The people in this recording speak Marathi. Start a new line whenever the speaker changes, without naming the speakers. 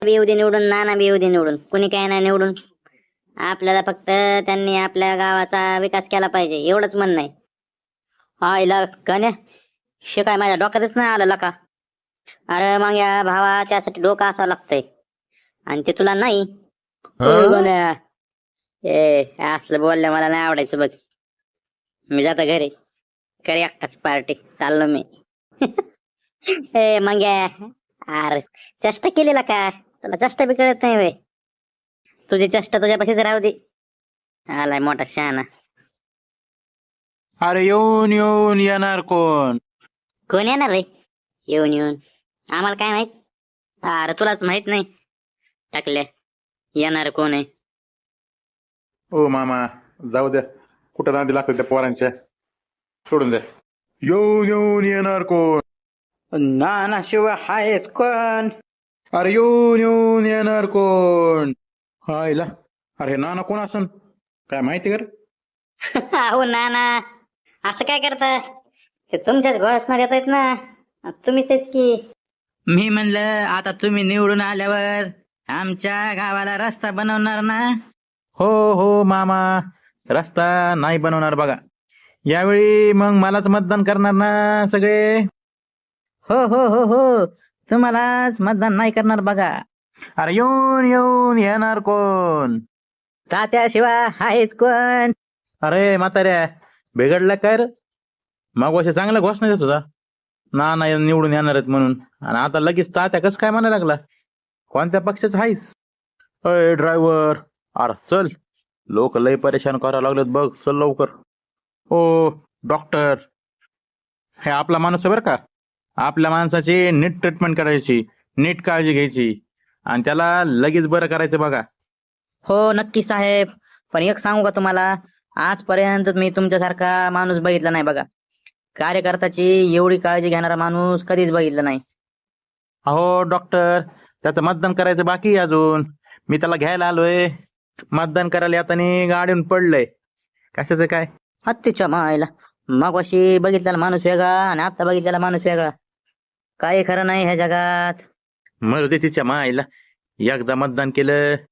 बी येऊ दे निवडून, नाना बी येऊ दे निवडून, कुणी काय नाही निवडून. आपल्याला फक्त त्यांनी आपल्या गावाचा विकास केला पाहिजे एवढंच म्हणणं आहे. हा इला कन्या शे काय माझ्या डोक्यातच नाही आलं का. अरे मग या भावा त्यासाठी डोकं असावं लागतंय आणि ते तुला नाही. होय गण्या. ए असलं बोललं मला नाही आवडायचं बघ. मी जातो घरी, घरी एकटाच पार्टी चाललो मी. ए मग अरे चेष्टा केलेला का, तुला चेष्टा बी कळत नाही वे. तुझी चेष्टा तुझ्यापाशीच राहू दे. आलाय मोठा शहाणा.
अरे येऊन येऊन येणार कोण?
कोण येणार रे येऊन येऊन, आम्हाला काय माहित. अरे तुलाच माहित नाही टाकल्या येणार कोण आहे.
ओ मामा जाऊ द्या, कुठं नांदी लागतं त्या पोरांच्या, सोडून द्या. येऊन येऊन येणार कोण?
नाना शिवाय हायच कोण?
अरे येऊन येऊन येणार कोण? हायला, अरे नाना कोण असन काय माहिती कर.
अहो नाना असं काय करता, ते तुमच्याच घोषणा देत आहेत ना, तुम्हीच आहेत की.
मी म्हणलं आता तुम्ही निवडून आल्यावर आमच्या गावाला रस्ता बनवणार ना.
हो हो मामा, रस्ता नाही बनवणार बघा. यावेळी मग मलाच मतदान करणार ना सगळे.
हो हो हो हो, तुम्हालाच मतदान नाही करणार बघा.
अरे येऊन येऊन येणार कोण?
तात्याशिवाय आहेच कोण?
अरे म्हाताऱ्या बिघडला काय रे? मग वर्ष चांगला घोषणा देत होता ना नाही निवडून येणार आहेत म्हणून, आणि आता लगेच तात्या कसं काय म्हणायला लागला? कोणत्या पक्षाचं आहेस? अय ड्रायव्हर, अरे चल, लोक लय परेशान करायला लागलेत बघ, चल लवकर. ओ डॉक्टर, हे आपला माणूस आहे बरं का. आपल्या माणसाची नीट ट्रीटमेंट करायची, नीट काळजी घ्यायची आणि त्याला लगेच बरं करायचं बघा.
हो नक्की साहेब, पण एक सांगू का तुम्हाला, आजपर्यंत मी तुमच्यासारखा माणूस बघितला नाही बघा. कार्यकर्त्याची एवढी काळजी घेणारा माणूस कधीच बघितला नाही.
अहो डॉक्टर, त्याचं मतदान करायचं बाकी आहे अजून. मी त्याला घ्यायला आलोय, मतदान करायला येताना गाडीहून पडलंय. कशाचं काय?
हत्तीच्या मायला, मग अशी बघितलेला माणूस वेगळा आणि आता बघितलेला माणूस वेगळा. काही खरं नाही ह्या जगात.
मरू दे तिच्या मायला, एकदा मतदान केलं